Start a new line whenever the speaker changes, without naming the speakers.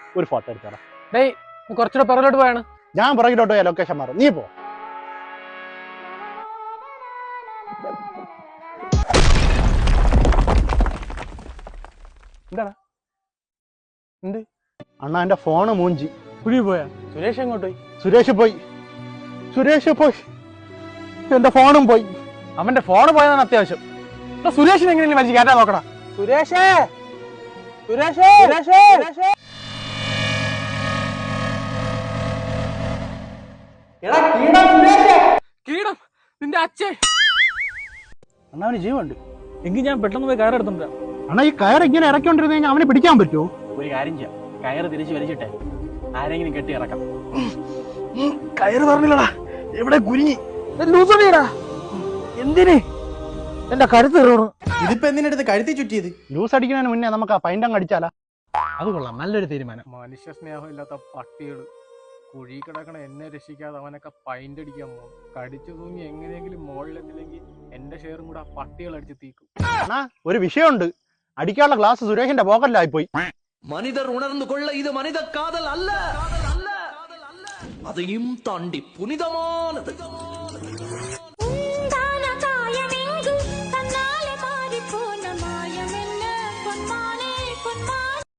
ഒരു ഫോട്ടോ എടുത്തോളാം.
ഡേയ് കുറച്ചുകൂടെ പിറകിലോട്ട് പോയാണ്.
ഞാൻ പുറകിലോട്ട് പോയാ ലൊക്കേഷൻ മാറും, നീ പോ.
എന്താടാ എന്ത്
അണ്ണാ എന്റെ ഫോണ് മൂഞ്ചി.
കുഴി പോയാ? സുരേഷ് എങ്ങോട്ട് പോയി?
സുരേഷ് പോയി, എന്റെ ഫോണും പോയി.
അവന്റെ ഫോണ് പോയതാണ് അത്യാവശ്യം. സുരേഷിന് എങ്ങനെയും വലിച്ച് കയറ്റാൻ നോക്കടാ. സുരേഷേ കീടം നിന്റെ അച്ഛൻ.
അണ്ണാ അവന് ജീവനുണ്ട്.
എങ്കിൽ ഞാൻ പെട്ടെന്ന് പോയി കയറെടുത്തിട്ടുണ്ട്.
അണ്ണാ ഈ കയർ ഇങ്ങനെ ഇറക്കിക്കൊണ്ടിരുന്ന കഴിഞ്ഞാൽ അവനെ പിടിക്കാൻ പറ്റുമോ?
ഒരു കാര്യം ചെയ്യാം, കയറ് തിരിച്ച് വലിച്ചിട്ടെ ആരെങ്കിലും കെട്ടി ഇറക്കാം.
കയറ് പറഞ്ഞില്ലടാ, എവിടെ കുരുങ്ങി.
എന്തിന് എന്റെ കരുത്ത് കയറുന്നു?
ഇതിപ്പോ എന്തിനടുത്ത് കഴുത്തി ചുറ്റിയത്?
ലൂസ് അടിക്കുന്നതിന് മുന്നേ നമുക്ക് ആ പൈൻ്റം അടിച്ചാലാ?
അത് കൊള്ളാം, നല്ലൊരു തീരുമാനം.
മനുഷ്യ സ്നേഹമില്ലാത്ത പട്ടികള് കുഴി കിടക്കണ എന്നെ രക്ഷിക്കാതെ അവനൊക്കെ പൈൻ്റ് അടിക്കാൻ പോകും. കടിച്ചു തൂങ്ങി എങ്ങനെയെങ്കിലും മുകളിലെത്തില്ലെങ്കിൽ എന്റെ ഷെയറും കൂടെ ആ പട്ടികൾ അടിച്ച് തീക്കും.
അണ്ണാ ഒരു വിഷയമുണ്ട്, അടിക്കാനുള്ള ഗ്ലാസ് സുരേഷിന്റെ പോക്കറ്റിലായി പോയി.
മനിതർ ഉണർന്നു കൊള്ള, ഇത് മനിത കാതൽ അല്ല, അതെയും താണ്ടി പുനിതമാനത്.